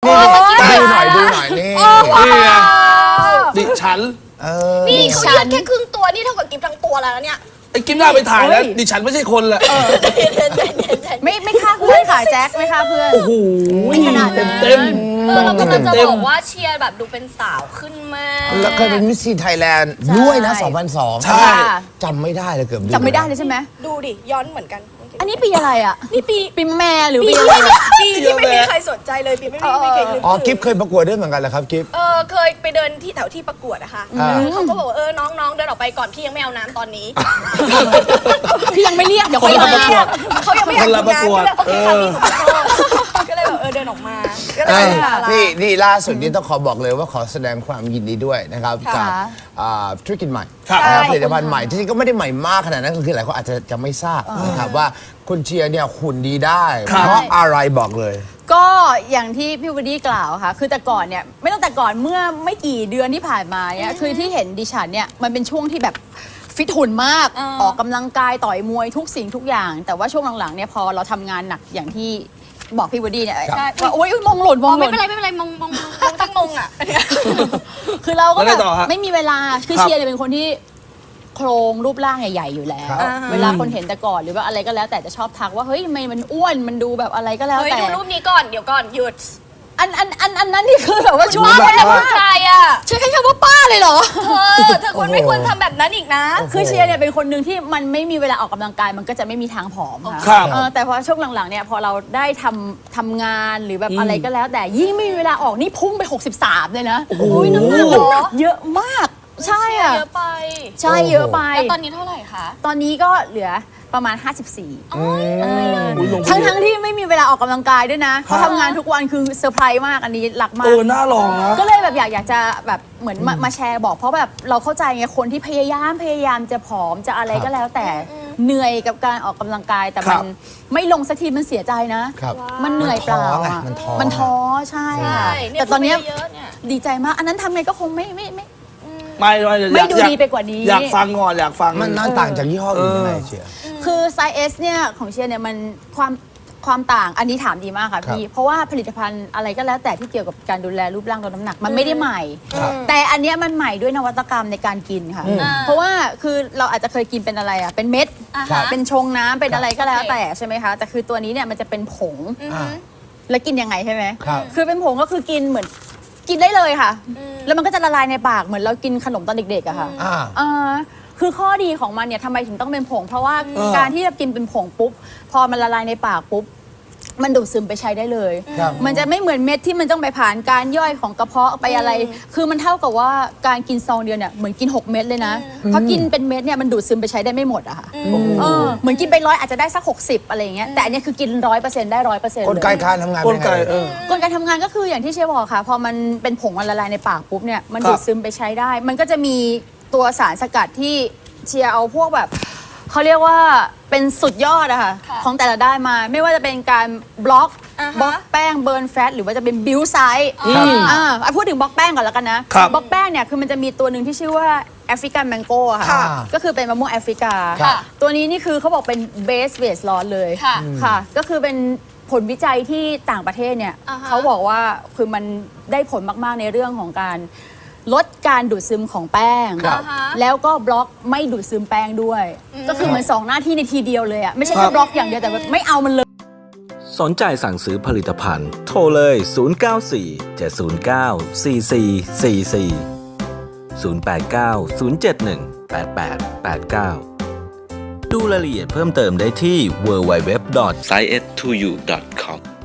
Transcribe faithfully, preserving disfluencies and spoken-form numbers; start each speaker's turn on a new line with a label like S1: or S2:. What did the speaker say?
S1: ดูหน่อยดูหน่อยนี่
S2: นี่ไงดิฉัน
S3: นี่เขายืดแค่ครึ่งตัวนี่เท่ากับกิฟทั้งตัวแล้วเนี่ย
S2: ไอ้กิฟหน้าไปถ่ายแล้วดิฉันไม่ใช่คนแหละ
S4: ไม่ไม่ฆ่าเพื่อนค่ะแจ็คไม่ฆ่าเพื่อน
S2: โอ้โหขนาดเต็มเต็ม
S3: เรากำลังจะบอกว่าเชียร์แบบดูเป็นสาวขึ้นมาก
S1: แล้วเคยเป็นมิสซีไทยแลนด์ด้วยนะสองพันสอง
S2: ใช่
S1: จำไม่ได้เลยเกือบ
S4: จำไม่ได้เลยใช่ไหม
S3: ดูดิย้อนเหมือนกัน
S4: อันนี้ปีอะไรอ่ะ
S3: นี่ปี
S4: ปีแม่หรือ
S3: ปี
S4: อะไร
S3: ปีที่ไม่มีใครสนใจเลยปีไม่มีไม่เคย
S1: อ๋อกิฟเคยประกวดด้วยเหมือนกันเหรอครับกิฟ
S3: เออเคยไปเดินที่แถวที่ประกวดนะคะเขาก็บอกว่าเออน้องๆเดินออกไปก่อนพี่ยังไม่เอาน้ำตอนนี้
S4: พี่ยังไม่เรียกเดี๋ยว
S2: คนละประกวด
S3: เขายังไม่อยากทำงานโอเคค่ะพี่ก็เลยแบบเออเดินออกมา
S1: นี่นี่ล่าสุดนี้ต้องขอบอกเลยว่าขอแสดงความยินดีด้วยนะครับกับธุรกิจใหม่ผลิตภัณฑ์ใหม่ที่ก็ไม่ได้ใหม่มากขนาดนั้นคือหลายคนอาจจะจะไม่ทราบนะครับว่าคุณเชียร์เนี่ยหุ่นดีได้เพราะอะไรบอกเลย
S4: ก็อย่างที่พี่วดี้กล่าวค่ะคือแต่ก่อนเนี่ยไม่ต้องแต่ก่อนเมื่อไม่กี่เดือนที่ผ่านมาเนี่ยคือที่เห็นดิฉันเนี่ยมันเป็นช่วงที่แบบฟิตหุ่นมากออกกำลังกายต่อยมวยทุกสิ่งทุกอย่างแต่ว่าช่วงหลังๆเนี่ยพอเราทำงานหนักอย่างที่บอกพี่วดี้เนี่ยว่าโอ๊ยมองหล่นมองหล่น
S3: ไม่เป็นไรไม่เป็นไรมองมองมองตั้งมงอ่ะ
S4: คือเราก็แบบไม่มีเวลาคือเชียร์เนี่ยเป็นคนที่โครงรูปร่างใหญ่ๆอยู่แล้วเวลาคนเห็นแต่ก่อนหรือว่าอะไรก็แล้วแต่จะชอบทักว่าเฮ้ยทำไมมันอ้วนมันดูแบบอะไรก็แล้วแต่
S3: ดูรูปนี้ก่อนเดี๋ยวก่อนหยุด
S4: อันอันอันอันนั้นนี่คือแบบว่าช่วย
S3: ไม่ได้พูดใครอ่ะ
S4: ใช้แค่คำว่าป้าเลยเหรอ
S3: เธอเธอควรไม่ควรทำแบบนั้นอีกนะ
S4: คือเชียร์เนี่ยเป็นคนหนึ่งที่มันไม่มีเวลาออกกำลังกายมันก็จะไม่มีทางผอมค่ะแต่พอช่วงหลังๆเนี่ยพอเราได้ทำทำงานหรือแบบอะไรก็แล้วแต่ยิ่งไม่มีเวลาออกนี่พุ่งไปหกสิบสามเลยนะ
S3: โอ้ยน้ำหนัก
S4: เยอะมากใช่
S3: อ่ะเยอะไป
S4: ใช่เยอะไป
S3: แล้วตอนนี้เท่าไหร่คะ
S4: ตอนนี้ก็เหลือประมาณห้าสิบสี่ทั้งทั้งที่ไม่มีเวลาออกกำลังกายด้วยนะเพราะทำงานทุกวันคือเซอร์ไพรส์มากอันนี้หลักมาก
S2: เออน่าลองนะ
S4: ก็เลยแบบอยากอยากจะแบบเหมือนมาแชร์บอกเพราะแบบเราเข้าใจไงคนที่พยายามพยายามจะผอมจะอะไรก็แล้วแต่เหนื่อยกับการออกกำลังกายแต่มันไม่ลงสักทีมันเสียใจนะมันเหนื่อยเปล่ามันท้อใช่แต่ตอนนี้ดีใจมากอันนั้นทำไงก็คงไม่ไม่ไม่
S2: ไม่ไม่
S4: ไม่ดูดีไปกว่านี้
S2: อยากฟังก่อนอยากฟัง
S1: มันน่าต่างจากยี่ห้ออื่นยังไงเชียร์
S4: คือไซส์ S เนี่ยของเชียร์เนี่ยมันความความต่างอันนี้ถามดีมากค่ะพี่เพราะว่าผลิตภัณฑ์อะไรก็แล้วแต่ที่เกี่ยวกับการดูแลรูปร่างลดน้ำหนักมันไม่ได้ใหม่แต่อันนี้มันใหม่ด้วยนวัตกรรมในการกินค่ะเพราะว่าคือเราอาจจะเคยกินเป็นอะไรอ่ะเป็นเม็ดเป็นชงน้ำเป็นอะไรก็แล้วแต่ใช่ไหมคะแต่คือตัวนี้เนี่ยมันจะเป็นผงแล้วกินยังไงใช่ไหมคือเป็นผงก็คือกินเหมือนกินได้เลยค่ะแล้วมันก็จะละลายในปากเหมือนเรากินขนมตอนเด็กๆอะค่ะคือข้อดีของมันเนี่ยทำไมถึงต้องเป็นผงเพราะว่าการที่จะกินเป็นผงปุ๊บพอมันละลายในปากปุ๊บมันดูดซึมไปใช้ได้เลยมันจะไม่เหมือนเม็ดที่มันต้องไปผ่านการย่อยของกระเพาะไปอะไรคือมันเท่ากับว่าการกินซองเดียวเนี่ยเหมือนกินหกเม็ดเลยนะเพราะกินเป็นเม็ดเนี่ยมันดูดซึมไปใช้ได้ไม่หมดอะค่ะเหมือนกินไปร้อยอาจจะได้สักหกสิบอะไรอย่างเงี้ยแต่อันนี้คือกินร้อยเปอร์เซ็นต์ได้ร้อยเปอร์เซ็นต์
S1: กลไกการทำงาน
S2: กลไก
S4: กลไกทำงานก็คืออย่างที่เชฟบอกค่ะพอมันเป็นผงมันละลายในปากปุ๊บเนี่ยมันดูดซึมไปใช้ได้มันก็จะมีตัวสารสกัดที่เชียร์เอาพวกแบบเขาเรียกว่าเป็นสุดยอดอะค่ะของแต่ละได้มาไม่ว่าจะเป็นการบล็อกบล็อกแป้งเบิร์นแฟตหรือว่าจะเป็นบิวไซด์อ่าพูดถึงบล็อกแป้งก่อนแล้วกันนะบล็อกแป้งเนี่ยคือมันจะมีตัวหนึ่งที่ชื่อว่าแอฟริกันแมงโก้ค่ะก็คือเป็นมะม่วงแอฟริกาตัวนี้นี่คือเขาบอกเป็นเบสเวสลอสเลยค่ะก็คือเป็นผลวิจัยที่ต่างประเทศเนี่ยเขาบอกว่าคือมันได้ผลมากๆในเรื่องของการลดการดูดซึมของแป้งแล้วก็บล็อกไม่ดูดซึมแป้งด้วยก็คือเหมือนสองหน้าที่ในทีเดียวเลยอ่ะไม่ใช่แค่บล็อกอย่างเดียวแต่ไม่เอามันเลย
S5: สนใจสั่งซื้อผลิตภัณฑ์โทรเลยศูนย์ เก้า สี่ เจ็ด ศูนย์ เก้า สี่ สี่ สี่ สี่ ศูนย์ แปด เก้า ศูนย์ เจ็ด หนึ่ง แปด แปด แปด เก้า ดูรายละเอียดเพิ่มเติมได้ที่ ดับเบิลยู ดับเบิลยู ดับเบิลยู ดอท ไซเอส ทู ยู ดอท คอม